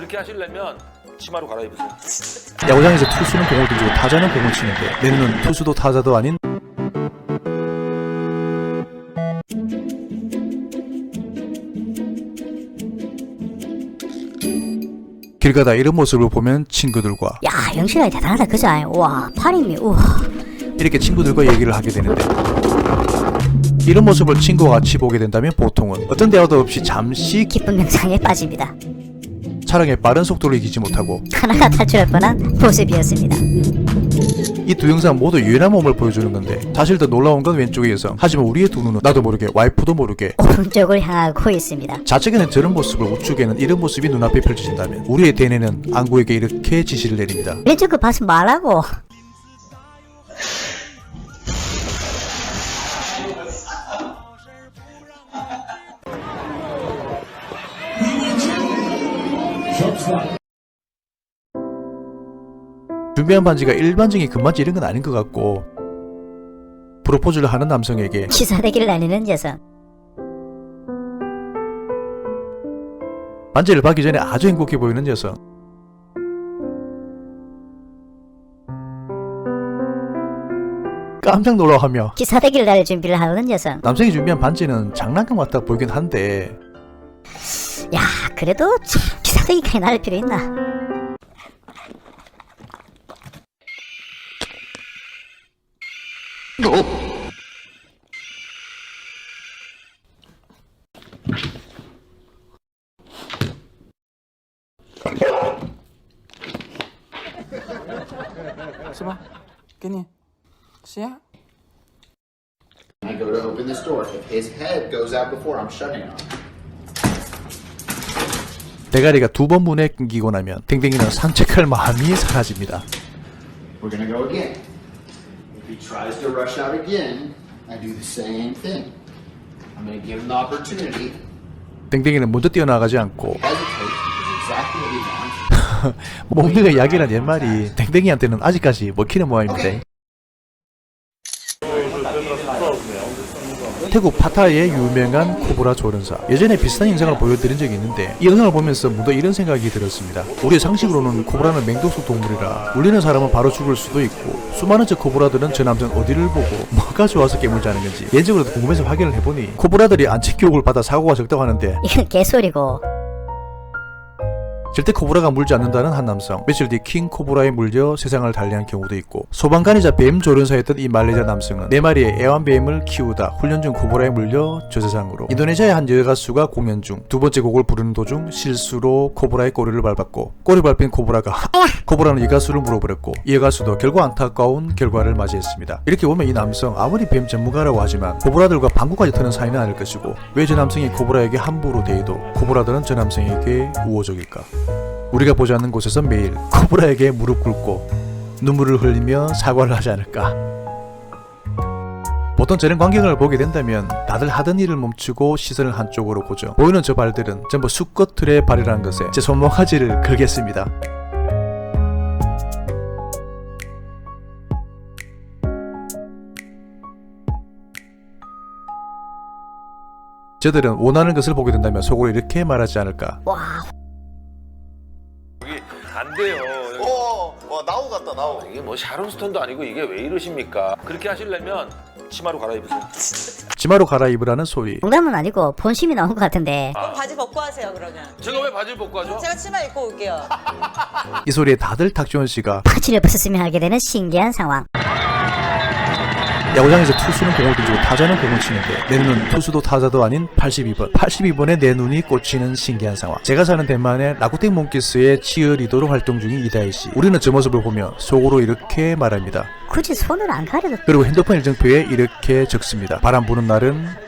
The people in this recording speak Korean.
그렇게 하시려면 치마로 갈아입으세요. 야구장에서 투수는 공을 던지고 타자는 공을 치는데 내 눈은 투수도 타자도 아닌 길 가다 이런 모습을 보면 친구들과 야, 영실아 대단하다 그죠? 와, 팔힘이 우와. 이렇게 친구들과 얘기를 하게 되는데 이런 모습을 친구와 같이 보게 된다면 보통은 어떤 대화도 없이 잠시 기쁜 명상에 빠집니다. 차량의 빠른 속도를 이기지 못하고 하나가 탈출할 뻔한 모습이었습니다. 이 두 영상 모두 유연한 몸을 보여주는 건데 사실 더 놀라운 건 왼쪽의 여성. 하지만 우리의 두 눈은 나도 모르게 와이프도 모르게 오른쪽을 향하고 있습니다. 좌측에는 저런 모습을 우측에는 이런 모습이 눈앞에 펼쳐진다면 우리의 대뇌는 안구에게 이렇게 지시를 내립니다. 왼쪽 거 봐서 말하고. 준비한 반지가 일반적인 금반지 이런 건 아닌 것 같고 프로포즈를 하는 남성에게 기사대기를 날리는 여성. 반지를 받기 전에 아주 행복해 보이는 여성. 깜짝 놀라하며 기사대기를 날릴 준비를 하는 여성. 남성이 준비한 반지는 장난감 같아 보이긴 한데 야, 그래도 참 기사대기까지 날릴 필요 있나? Seba, gini. Siap? I go to open this door. If his head goes out before, I'm shutting it off. 대가리가 두 번 문에 끊기고 나면 댕댕이는 산책할 마음이 사라집니다. We're gonna go again. If he tries to rush out again, I do the same thing. I'm gonna give him the opportunity. 댕댕이는 먼저 뛰어나가지 않고 Hesitate is exactly what he wants. 몽둥이가 약이란 옛말이 댕댕이한테는 아직까지 먹히는 모양인데 태국 파타야의 유명한 코브라 조련사. 예전에 비슷한 영상을 보여드린 적이 있는데 이 영상을 보면서 문득 이런 생각이 들었습니다. 우리의 상식으로는 코브라는 맹독소 동물이라 물리는 사람은 바로 죽을 수도 있고 수많은 저 코브라들은 저 남성 어디를 보고 뭐가 좋아서 깨물지 않은 건지 예적으로도 궁금해서 확인을 해보니 코브라들이 안책 교육을 받아 사고가 적다고 하는데 이건 개소리고. 절대 코브라가 물지 않는다는 한 남성. 며칠 뒤 킹 코브라에 물려 세상을 달리한 경우도 있고 소방관이자 뱀 조련사였던 이 말레이시아 남성은 4마리의 애완뱀을 키우다 훈련 중 코브라에 물려 저 세상으로. 인도네시아의 한 여가수가 공연 중 두 번째 곡을 부르는 도중 실수로 코브라의 꼬리를 밟았고 꼬리 밟힌 코브라가 코브라는 여가수를 물어버렸고 이 여가수도 결국 안타까운 결과를 맞이했습니다. 이렇게 보면 이 남성 아무리 뱀 전문가라고 하지만 코브라들과 방구까지 트는 사이는 아닐 것이고 왜 저 남성이 코브라에게 함부로 대해도 코브라들은 저 남성에게 우호적일까? 우리가 보지 않는 곳에서 매일 코브라에게 무릎 꿇고 눈물을 흘리며 사과를 하지 않을까. 보통 저런 광경을 보게 된다면 다들 하던 일을 멈추고 시선을 한쪽으로 고죠. 보이는 저 발들은 전부 수컷들의 발이라는 것에 제 손모가지를 걸겠습니다. 저들은 원하는 것을 보게 된다면 속으로 이렇게 말하지 않을까. 와, 여기 안 돼요. 와 나우 같다 나우. 이게 뭐 샤론스톤도 아니고 이게 왜 이러십니까? 그렇게 하시려면 치마로 갈아입으세요. 치마로 갈아입으라는 소리. 농담은 아니고 본심이 나온 것 같은데. 바지 벗고 하세요 그러면. 제가 왜 바지를 벗고 하죠? 제가 치마 입고 올게요. 이 소리에 다들 탁지원 씨가 바지를 벗었으면 하게 되는 신기한 상황. 야구장에서 투수는 공을 던지고 타자는 공을 치는데 내 눈은 투수도 타자도 아닌 82번. 82번에 내 눈이 꽂히는 신기한 상황. 제가 사는 대만의 라쿠텐 몽키스의 치어리더로 활동 중인 이다혜 씨. 우리는 저 모습을 보며 속으로 이렇게 말합니다. 굳이 손을 안 가려도 그리고 핸드폰 일정표에 이렇게 적습니다. 바람 부는 날은